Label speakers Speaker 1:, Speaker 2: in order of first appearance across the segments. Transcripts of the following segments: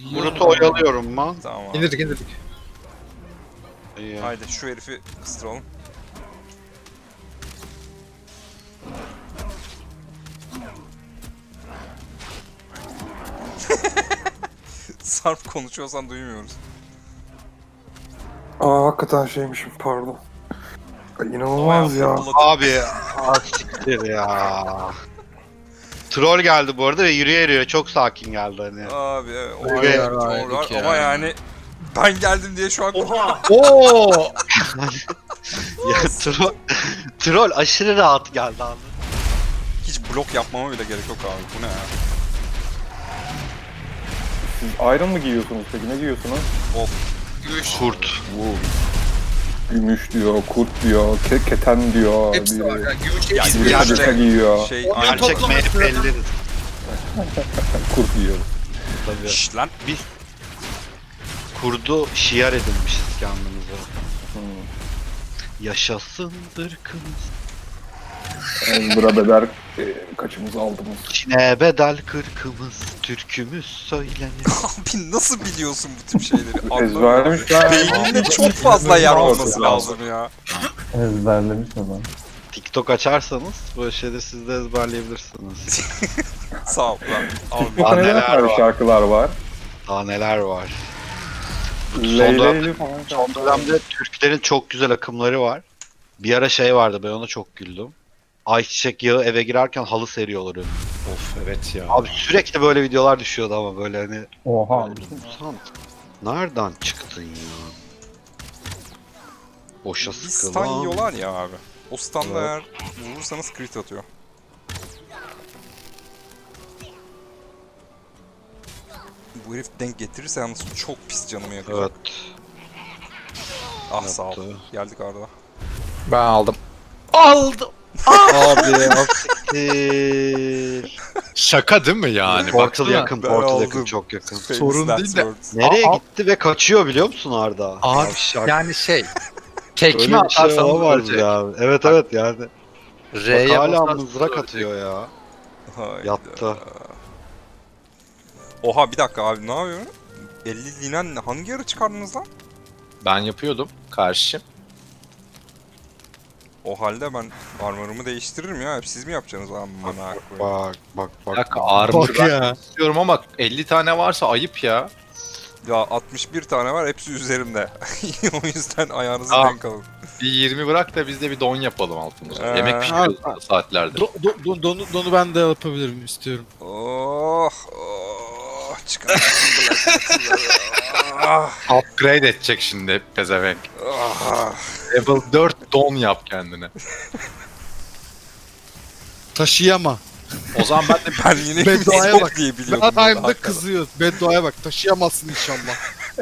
Speaker 1: Brut'u oyalıyorum mu?
Speaker 2: Tamam abi.
Speaker 3: İndirdik.
Speaker 1: İyi.
Speaker 2: Haydi şu herifi ıstıralım. Sarp konuşuyorsan duymuyoruz.
Speaker 4: Aa hakikaten şeymişim pardon. Ay, İnanılmaz ya.
Speaker 1: Abi siktir ya. Troll geldi bu arada ve yürüye çok sakin geldi hani.
Speaker 2: Abi evet, o
Speaker 1: Evet,
Speaker 2: evet, doğru var ama yani ben geldim diye şu an
Speaker 3: Oo!
Speaker 1: Ya troll aşırı rahat geldi abi.
Speaker 2: hiç blok yapmama bile gerek yok abi. Bu ne ya?
Speaker 4: Siz Iron mı giyiyorsunuz peki? Ne giyiyorsunuz?
Speaker 1: Kurt.
Speaker 4: Bu gümüş diyor, kurt diyor, keten diyor.
Speaker 3: Hepsi var ya. Gümüş
Speaker 2: Ya,
Speaker 3: hepsi
Speaker 4: Bir
Speaker 3: bir
Speaker 1: gerçek-
Speaker 4: kadeka giyiyor.
Speaker 2: Şey
Speaker 3: Onları
Speaker 2: aynı
Speaker 1: Gerçek
Speaker 3: toplaması
Speaker 1: MHP'lileriz
Speaker 4: Kurt giyiyor.
Speaker 1: tabii.
Speaker 2: Şşş lan.
Speaker 1: Biz kurdu şiar edinmişiz kendimize. Yaşasın ırkımız.
Speaker 4: Bura bedel kaçımızı aldınız.
Speaker 1: Çin'e bedel kırkımız, türkümüz söylenir.
Speaker 2: Abi nasıl biliyorsun bu tip şeyleri? Anlamıyorum.
Speaker 4: Ezberlemiş ya.
Speaker 2: Beyninde çok fazla yer olması
Speaker 4: Lazım.
Speaker 2: lazım ya.
Speaker 5: Ezberlemiş adam.
Speaker 1: TikTok açarsanız böyle şeyleri siz de ezberleyebilirsiniz.
Speaker 2: Sağ ol lan. Abi
Speaker 4: TikTok'ta
Speaker 1: neler
Speaker 4: neler var?
Speaker 1: var?
Speaker 4: Şarkılar var.
Speaker 1: Daha neler var.
Speaker 4: Leyleyli falan
Speaker 1: Son
Speaker 4: şarkılar var.
Speaker 1: dönemde Türklerin çok güzel akımları var. Bir ara şey vardı, ben ona çok güldüm. Ayçiçek yağı eve girerken halı seriyorlar önüne.
Speaker 3: Of evet ya.
Speaker 1: Abi sürekli böyle videolar düşüyordu ama böyle hani...
Speaker 5: Oha.
Speaker 1: Sen nereden çıktın ya? Boşa
Speaker 2: bir
Speaker 1: sıkılan.
Speaker 2: stun yiyorlar ya abi. O stun'da
Speaker 1: Evet.
Speaker 2: eğer vurursanız crit atıyor. Bu herif denk getirirse yalnız çok pis canımı yakacak.
Speaker 1: Evet.
Speaker 2: Ah sağ ol.
Speaker 1: yaptı.
Speaker 2: Geldik Arda.
Speaker 3: Ben aldım.
Speaker 1: Aldım. Abi asiktir.
Speaker 3: Şaka değil mi yani?
Speaker 1: Portal
Speaker 3: Baksana.
Speaker 1: yakın,
Speaker 2: Ben
Speaker 1: Portal
Speaker 2: aldım.
Speaker 1: yakın, çok yakın.
Speaker 3: Sorun
Speaker 2: Famous
Speaker 3: değil de-
Speaker 2: last words.
Speaker 1: Nereye
Speaker 3: Aa,
Speaker 1: gitti ve kaçıyor biliyor musun Arda?
Speaker 3: Abi
Speaker 1: Yavşak.
Speaker 3: yani
Speaker 1: Öyle
Speaker 3: tekme
Speaker 1: bir şey
Speaker 3: atarsan
Speaker 1: olamaz
Speaker 3: ölecek.
Speaker 1: ya. Evet evet yani.
Speaker 3: R'ye
Speaker 1: Bak hala
Speaker 3: basarsan
Speaker 1: mızrak
Speaker 3: ölecek.
Speaker 1: atıyor ya.
Speaker 2: Hayda.
Speaker 1: Yattı.
Speaker 2: Oha bir dakika abi ne yapıyorsun? 50 linen hangi ara çıkardınız lan?
Speaker 3: Ben yapıyordum karşı.
Speaker 2: O halde ben armor'ımı değiştiririm ya. Hep siz mi yapacaksınız abi bana koyayım?
Speaker 1: Bak bak
Speaker 3: Bir
Speaker 1: bak.
Speaker 3: dakika armor
Speaker 6: Bak
Speaker 3: ben
Speaker 6: ya.
Speaker 3: istiyorum ama 50 tane varsa ayıp ya.
Speaker 2: Ya 61 tane var hepsi üzerimde. O yüzden ayağınızı
Speaker 3: Tamam.
Speaker 2: denk alın.
Speaker 3: Bir 20 bırak da biz de bir don yapalım altımıza.
Speaker 2: Ee,
Speaker 3: Yemek pişiriyoruz bu saatlerde.
Speaker 6: Donu ben de yapabilirim istiyorum.
Speaker 2: Oh oh çıkarmışsın Black Metal'ları. Ah,
Speaker 3: Upgrade edecek şimdi hep pezevenk.
Speaker 2: ah.
Speaker 3: Level 4 don yap kendine.
Speaker 6: Taşıyama.
Speaker 3: O zaman ben de
Speaker 2: Ben yine
Speaker 6: Bedduaya
Speaker 2: yok
Speaker 6: bak.
Speaker 2: diye biliyordum.
Speaker 6: Zaten
Speaker 2: burada,
Speaker 6: da kızıyor. Bedduaya bak. Taşıyamazsın inşallah.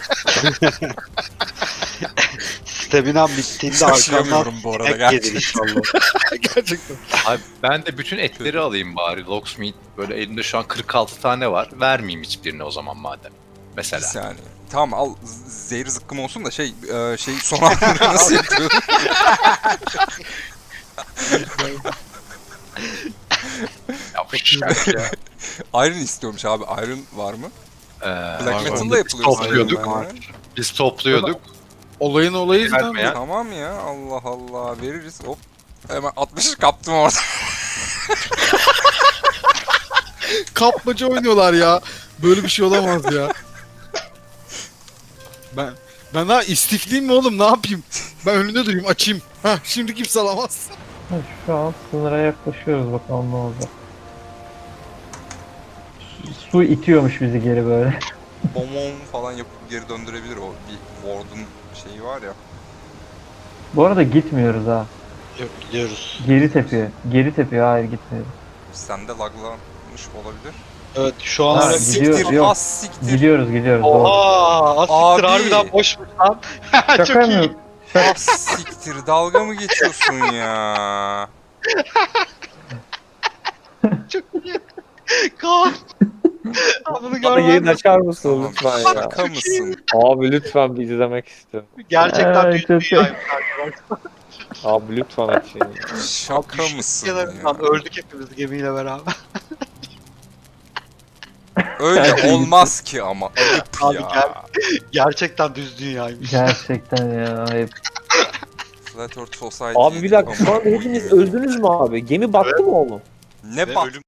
Speaker 1: Stamina bittiğinde arkamdan
Speaker 2: Taşıyamıyorum bu arada,
Speaker 1: tek gelir
Speaker 2: gerçekten.
Speaker 1: inşallah.
Speaker 6: Gerçekten.
Speaker 3: Abi ben de bütün etleri alayım bari. Locksmith böyle elimde şu an 46 tane var. Vermeyeyim hiçbirini o zaman madem.
Speaker 2: Bir
Speaker 3: Mesela.
Speaker 2: saniye. Tamam al zehir zıkkım olsun da şey son hamleleri nasıl yapıyorum?
Speaker 3: Yapışacak ya.
Speaker 2: Iron istiyormuş abi. Iron var mı? Black
Speaker 3: Var,
Speaker 2: Metal'da
Speaker 3: var.
Speaker 2: yapılıyor.
Speaker 3: Topluyorduk.
Speaker 2: sanırım yani.
Speaker 3: Biz topluyorduk.
Speaker 6: Olayın olayı
Speaker 3: Verme
Speaker 6: zaten.
Speaker 3: ya.
Speaker 2: Tamam ya Allah Allah veririz hop. Hemen 60'ı kaptım orada.
Speaker 6: Kapmaca oynuyorlar ya. Böyle bir şey olamaz ya. Ben daha istifliyim mi oğlum, ne yapayım? Ben önünde durayım, açayım. Hah, şimdi kimse alamaz.
Speaker 5: Şu an sınıra yaklaşıyoruz, bakalım ne olacak. Su itiyormuş bizi geri böyle.
Speaker 2: Bomon falan yapıp geri döndürebilir o bir ward'un şeyi var ya.
Speaker 5: Bu arada gitmiyoruz ha.
Speaker 1: Yok gidiyoruz.
Speaker 5: Geri tepiyor. Geri tepiyor, hayır gitmiyoruz.
Speaker 2: Sende laglanmış olabilir.
Speaker 1: Evet şu an
Speaker 5: Ha,
Speaker 1: öyle.
Speaker 5: gidiyor,
Speaker 2: Siktir
Speaker 5: yok.
Speaker 2: az siktir.
Speaker 5: Gidiyoruz. Doğru.
Speaker 1: Oha! Asiktir
Speaker 2: Abi.
Speaker 1: harbiden boşmuş lan.
Speaker 5: Şaka
Speaker 1: Çok iyi.
Speaker 5: mı?
Speaker 2: Az siktir dalga mı geçiyorsun ya?
Speaker 1: Çok iyi. Kaan. Abi bunu
Speaker 7: Bana yayın
Speaker 1: görmem.
Speaker 7: açar mısın
Speaker 2: Tamam,
Speaker 7: lütfen ya?
Speaker 2: şaka mısın?
Speaker 7: Abi lütfen bir izlemek istiyorum.
Speaker 1: Gerçekten
Speaker 5: Ay,
Speaker 1: büyük
Speaker 5: çok
Speaker 1: bir
Speaker 5: iyi.
Speaker 1: yayın.
Speaker 7: Abi lütfen açın ya.
Speaker 2: Şaka mısın ya?
Speaker 1: Lan öldük hepimiz gemiyle beraber.
Speaker 2: Öyle olmaz ki ama. Ayıp
Speaker 1: Abi
Speaker 2: ya.
Speaker 1: Gerçekten düz dünyaymış.
Speaker 5: Gerçekten ya. Ayıp.
Speaker 2: Flat Earth Society.
Speaker 7: Abi bir dakika şu anda hepiniz öldünüz mü abi? Gemi battı mı oğlum?
Speaker 2: Ne
Speaker 1: Ve
Speaker 2: bak.
Speaker 1: ölüm